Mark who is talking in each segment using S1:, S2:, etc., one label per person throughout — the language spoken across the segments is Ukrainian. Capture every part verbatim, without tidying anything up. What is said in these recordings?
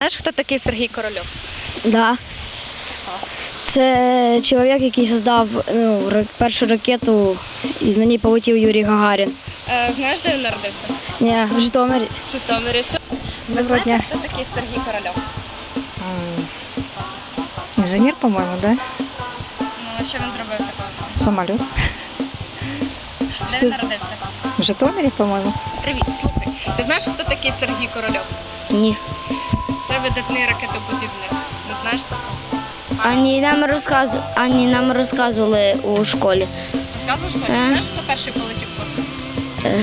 S1: знаєш, хто такий Сергій Корольов?
S2: Да. Це чоловік, який создав ну, ра- першу ракету, і на ній полетів Юрій Гагарін.
S1: Е, знаєш, де він народився?
S2: Ні, в Житомирі.
S1: В Житомирі. Ви
S2: Доброго
S1: знаєте,
S2: дня.
S1: хто такий Сергій Корольов?
S3: Инженер, по-моему, да?
S1: Ну, що він зробив такого?
S3: Самолет.
S1: Де він народився?
S3: В Житомире, по-моему.
S1: Привіт, слухай. Ти знаєш, хто такий Сергій Корольов?
S2: Ні.
S1: Це видатний ракетобудівник. Не знаєш такого?
S2: Ані нам розказу... Ані нам розказували у школі.
S1: Розказував школі?
S2: Е.
S1: Знаєш, хто перший полетів в космос?
S2: Е.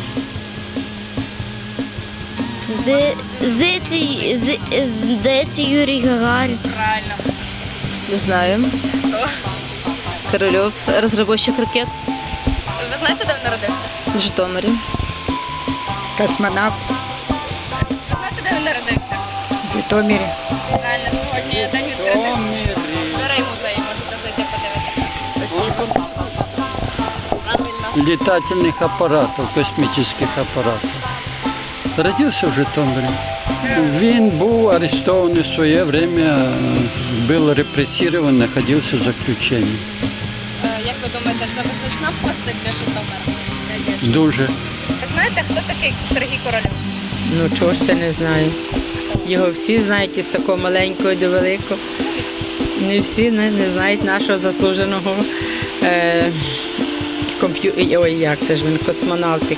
S2: Зде- Здається, з- здається, Юрій Гагарін.
S1: Правильно.
S4: Не знаю.
S1: Хто?
S4: Корольов, розробник ракет
S1: Ви знаєте, де він народився?
S4: в Житомирі.
S3: Космонавт
S1: Ви знаєте, де він народився?
S3: в Житомире.
S1: Правильно, сьогодні день відкритих дверей музею, можете зайти подивитися. Правильно.
S5: летательных аппаратов, космических аппаратов. Родился в Житомирі. Він був арестований в своє время, був репресований, знаходився в заключенні.
S1: Е, Як ви думаєте, це визначна постать для Житомира?
S5: Дуже.
S1: Ви знаєте, хто такий Сергій Корольов?
S6: Ну, чого ж це не знаю. Його всі знають із такого маленького до великого. Не всі не, не знають нашого заслуженого е, комп'ю... Ой, як це ж він, космонавтик.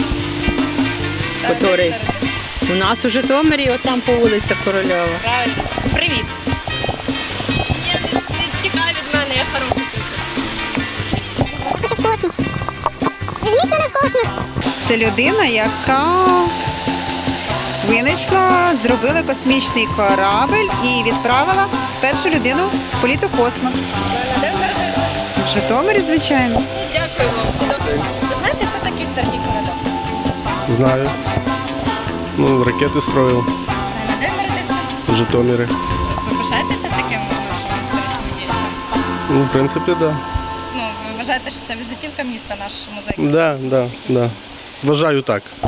S6: Котрий у нас у Житомирі, от там по вулиці Корольова.
S1: Правильно. Привіт. Ні, не, не тікай від мене, я хороший.
S7: Хочу в космос. Візьміть мене в космос.
S3: Це людина, яка винайшла, зробила космічний корабль і відправила першу людину в політ у космос.
S1: Правильно, де ви народилися?
S3: В Житомирі, звичайно.
S1: Дякую вам. Чудово. Ви знаєте, хто такий Сергій Корольов?
S8: Знаю. Ну, ракети строїв
S1: Правильно, де ви народився?
S8: в Житомирі.
S1: Ви пишаєтеся таким нашим історичним діячем?
S8: Ну, в принципі, так. Да.
S1: Ну, ви вважаєте, що це візитівка міста, наш музей?
S8: Да, да, да. Вважаю так.